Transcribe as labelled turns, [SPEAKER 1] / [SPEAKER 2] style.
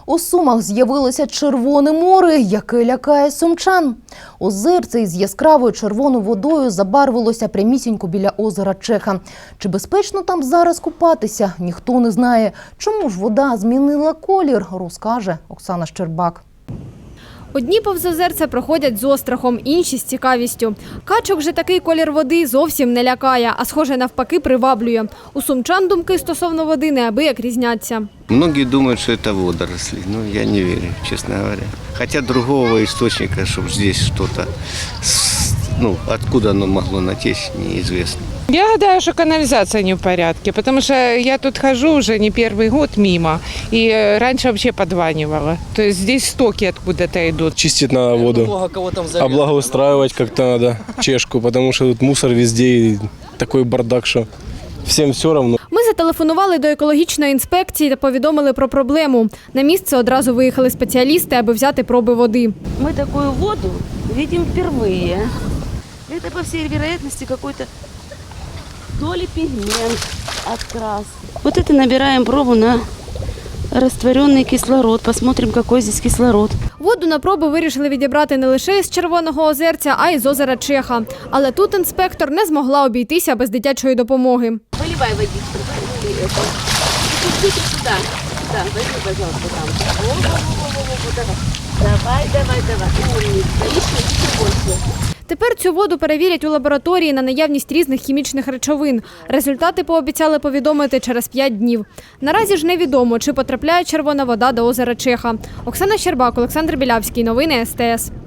[SPEAKER 1] У Сумах з'явилося Червоне море, яке лякає сумчан. Озерце із яскравою червоною водою забарвилося прямісінько біля озера Чеха. Чи безпечно там зараз купатися, ніхто не знає. Чому ж вода змінила колір, розкаже Оксана Щербак.
[SPEAKER 2] Одні повз озерця проходять з острахом, інші – з цікавістю. Качок же такий колір води зовсім не лякає, а схоже навпаки приваблює. У сумчан думки стосовно води неабияк різняться.
[SPEAKER 3] Многие думают, что это водоросли, но я не верю, честно говоря. Хотя другого источника, чтобы здесь что-то, откуда оно могло натечь, неизвестно.
[SPEAKER 4] Я гадаю, что канализация не в порядке, потому что я тут хожу уже не первый год мимо, и раньше вообще подванивала. То есть здесь стоки откуда-то идут.
[SPEAKER 5] Чистить надо воду, облагоустраивать как-то надо Чешку, потому что тут мусор везде и такой бардак, что всем все равно.
[SPEAKER 2] Ми зателефонували до екологічної інспекції та повідомили про проблему. На місце одразу виїхали спеціалісти, аби взяти проби води.
[SPEAKER 6] Мы такую воду видим впервые. Это, по всей вероятности, какой-то то ли пигмент от краски. Вот это набираем пробу на растворенный кислород. Посмотрим, какой здесь кислород.
[SPEAKER 2] Воду на проби вирішили відібрати не лише із Червоного озерця, а й з озера Чеха. Але тут інспектор не змогла обійтися без дитячої допомоги.
[SPEAKER 6] Выливай водичку. Идите сюда. Да, возьми, пожалуйста, там. Давай. Умница. Еще больше.
[SPEAKER 2] Тепер цю воду перевірять у лабораторії на наявність різних хімічних речовин. Результати пообіцяли повідомити через 5 днів. Наразі ж невідомо, чи потрапляє червона вода до озера Чеха. Оксана Щербак, Олександр Білявський. Новини СТС.